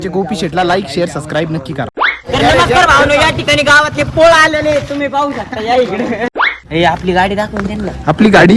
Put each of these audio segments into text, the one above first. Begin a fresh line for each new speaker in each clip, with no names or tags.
गोपी शेटला like share subscribe नक्की करा.
नमस्कार भावनो, या ठिकाणी गावातले पोळ आलेले तुम्ही पाहू शकता. या इकडे हे आपली गाडी दाखवून त्यांना.
आपली गाडी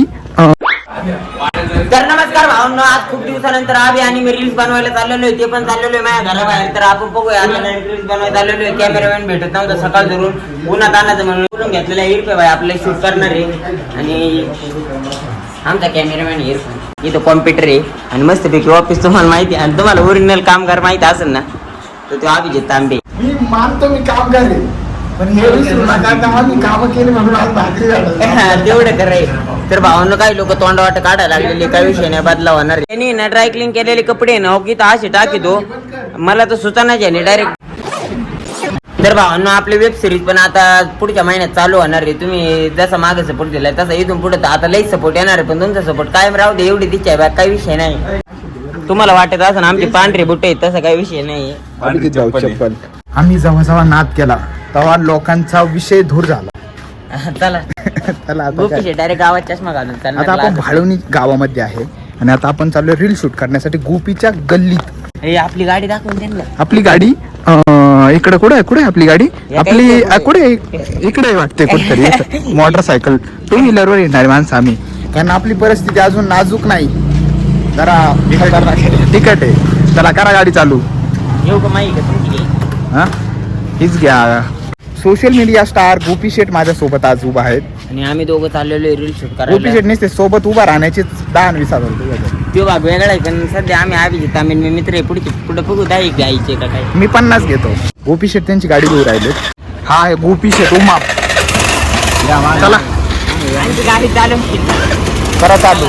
तर नमस्कार भावनो, आज खूप दिवसानंतर आम्ही आणि मी रील्स बनवायला चाललेलो आहे. ते पण चाललेलो आहे माझ्या घराबाहेर. तर आपण बघूया आता रील्स बनवायला चाललेलो आहे. कॅमेरामॅन भेटत नव्हता सकाळ धरून उन्हात आणायचं म्हणून बोलून घेतलेला इरफे भाई आपल्याला शूट करणार आहे. आणि आमचा कॅमेरामॅन इरफान इथं कॉम्प्युटर आहे आणि मस्तपैकी ऑफिस तुम्हाला माहिती आहे. आणि तुम्हाला ओरिजिनल कामगार माहिती असेल ना, तर तो अभिजित तांबे.
मी मानतो मी कामगार आहे, पण हे विसरू नका का मी काम केली म्हणून आज भाकरी झालं
तेवढं कराय. तर भावांना काही लोक तोंडवाट काढायला लागलेले, काही विषय नाही बदला होणार. त्यांनी ना ड्राय क्लीन केलेले कपडे ना की असे टाकीतो, मला तर सुचना झाली डायरेक्ट. तर भावांना आपली वेब सिरीज पण आता पुढच्या महिन्यात चालू होणार आहे. तुम्ही जसा मागे सपोर्ट दिलाय तसा इथून पुढे आता लई सपोर्ट येणार आहे. पण तुमचा सपोर्ट कायम राहू दे, एवढी इच्छा आहे. काही विषय नाही. तुम्हाला वाटत असं आमची पांढरे बुट्टे आहेत, तसा काही विषय नाही.
आम्ही जेव्हा जेव्हा नाद केला तेव्हा लोकांचा विषय दूर झाला.
चला
चला
डायरेक्ट गावात चष्मा घालून
आता आपण भाळवणी गावामध्ये आहे आणि आता आपण चाललोय रील शूट करण्यासाठी गोपीच्या गल्लीत.
हे आपली गाडी दाखवून त्यांना.
आपली गाडी इकडे कुठे आहे आपली गाडी? आपली कुठे इकडे वाटते कुठेतरी. मोटरसायकल टू व्हीलर वर येणारी माणसं आम्ही, कारण आपली परिस्थिती अजून नाजूक नाही, जरा तिकट आहे. चला करा गाडी चालू.
येऊ का माहिती का तुमची?
हा हीच घ्या. Social media star Gopi Shet माझ्या सोबत आज उभा आहेत
आणि आम्ही दोघं चाललेलो रील शूट
गोपी
करायला.
शेट नसते सोबत उभा राहण्याचे 10-20 हजार रुपये.
तो भाग वेगळा आहे, पण सध्या आम्ही अभिजित आम्ही मी मित्र आहे. पुढे बघू दाई घ्यायचे का काय.
मी 50 घेतो. गोपी शेट त्यांची गाडी घेऊन राहिले. हा आहे गोपी शेट उमा. चला
आमची गाडी चालू
करा चालू.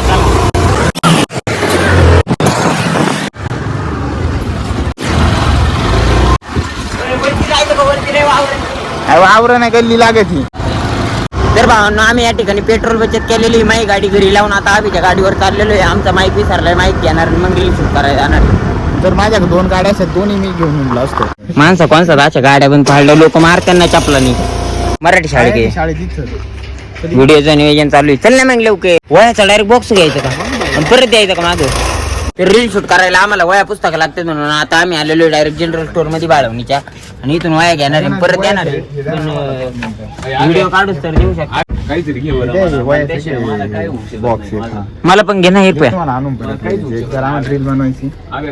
आवरण आहे गल्ली लागत ही.
तर भावांनो, आम्ही या ठिकाणी पेट्रोल बचत केलेली. माई गाडी घरी लावून आता आम्ही गाडीवर चाललेलो आहे. आमचा माईक विसरलाय, माईक घेणार मग रील शूट करायला जाणार.
तर माझ्याकडे 2 गाड्या आहेत, दोन्ही मी घेऊन निघलो असतो.
माणसं कोणसा अशा गाड्या पण पाडल्या, लोक मारताना चपलानी. मराठी शाळेत
शाळेत इथं
व्हिडिओचं नियोजन चालू आहे. चल ना मग लवकर. वयाचा डायरेक्ट बॉक्स घ्यायचा का आणि परत द्यायचं का मागं? तर रील शूट करायला आम्हाला वया पुस्तकं लागतात म्हणून आता आम्ही आलेलो डायरेक्ट जनरल स्टोर मध्ये बाळवणीच्या. आणि इथून वया घेणार आहे, परत येणार आहे. पण व्हिडिओ काढूच तर देऊ शकतो. मला पण घेणार हे
रील बनवायची.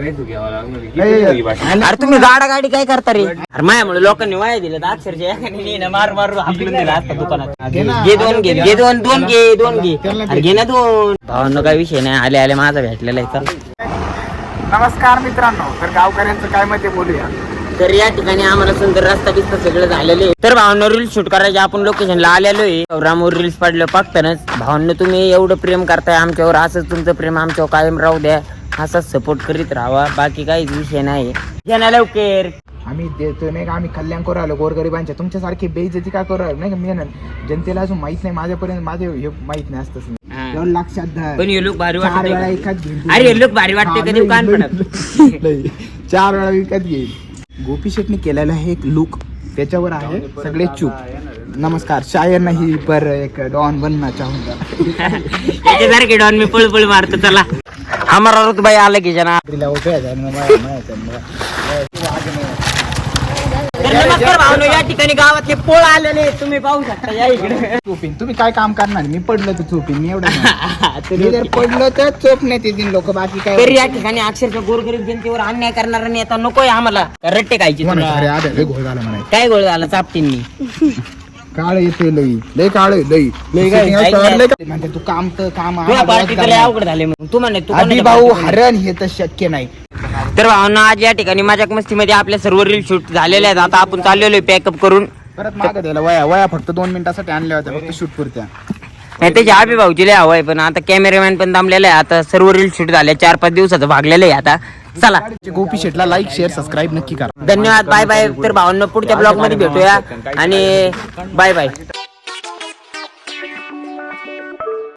अरे तुम्ही गाडी काय करता रे? अरे माझ्यामुळे लोकांनी वया दिलं अक्षरशः मारू मारू हाकलून दिला आता दुकानात. घे दोन घे अरे घे ना 2. भावांना काही विषय नाही, आले आले माझा भेटलेला आहे.
नमस्कार मित्रांनो, तर गावकऱ्यांचं काय मत आहे बोलूया.
तर या ठिकाणी आम्हाला सुंदर रस्ता बिस्ता सगळं झालेले. तर भावांनो, रील शूट करायचे आपण लोकेशनला आलेलो आहे. रामवर रील्स पाडलं पागतानच. भावांनो, तुम्ही एवढं प्रेम करताय आमच्यावर, असंच तुमचं प्रेम आमच्यावर कायम राहू द्या. असाच सपोर्ट करीत राहावा, बाकी काहीच विषय नाही. घ्या लवकर.
आम्ही देतो नाही का, आम्ही कल्याण करू राहिलो गोरगरिबांच्या. तुमच्यासारखी बेइज्जती का करू राहिलो नाही का? मेहनत जनतेला अजून माहित नाही, माझ्यापर्यंत माझे हे माहित नाही असतं. लक्षात धर.
पण हे लुक भारी वाटते.
घेईल.
अरे हे लुक भारी वाटते, कधी कान पडत
4 वेळा विकत घेईल. गोपी शेटने केलेला हे एक लुक, त्याच्यावर आहे सगळे चूप. नमस्कार, शायर नाही पर एक डॉन बनना चाहूंगा.
याच्यासारखे डॉन मी पळ मारतो. चला हमारा रुतबाई आला की जना. नमस्कार भावनो, या ठिकाणी गावातले पोळ आलेले तुम्ही पाहू शकता. या इकडे
चोपीन. तुम्ही काय काम करणार? मी पडलं तर चोपीन. मी एवढं मी जर पडलं तर चोप नाही ते लोक, बाकी काय.
तरी या ठिकाणी अक्षरशः गोरगरीब जनतेवर अन्याय करणारा नेता नकोय आम्हाला. रट्टे खायची.
घोळ झाला म्हणा.
काय गोळ झाला? चापटींनी
काळ येते लई काळ लई म्हणते तू काम तर काम.
अवघड झाले मग तू म्हणे
तू भाऊ हरण हे तर शक्य नाही.
तर भावना, आज या ठिकाणी माझ्या मस्तीमध्ये आपल्या सर्व रील शूट झालेले आहेत. आता आपण चाललेलो आहे पॅकअप करून.
परत मागं द्यायला वया फक्त 2 मिनिटासाठी आणल्या होत्या, फक्त शूट पुरत्या.
नाही त्याची आबी भाऊची लय हवं आहे, पण आता कॅमेरामॅन पण दमलेला आहे. आता सर्व रील शूट झाले, 4-5 दिवसाचं भागलेलं आहे. आता चला
गोपी शेटला लाईक शेअर सबस्क्राईब नक्की करा.
धन्यवाद. Bye bye. तर भावांना पुढच्या ब्लॉग मध्ये भेटूया आणि बाय बाय.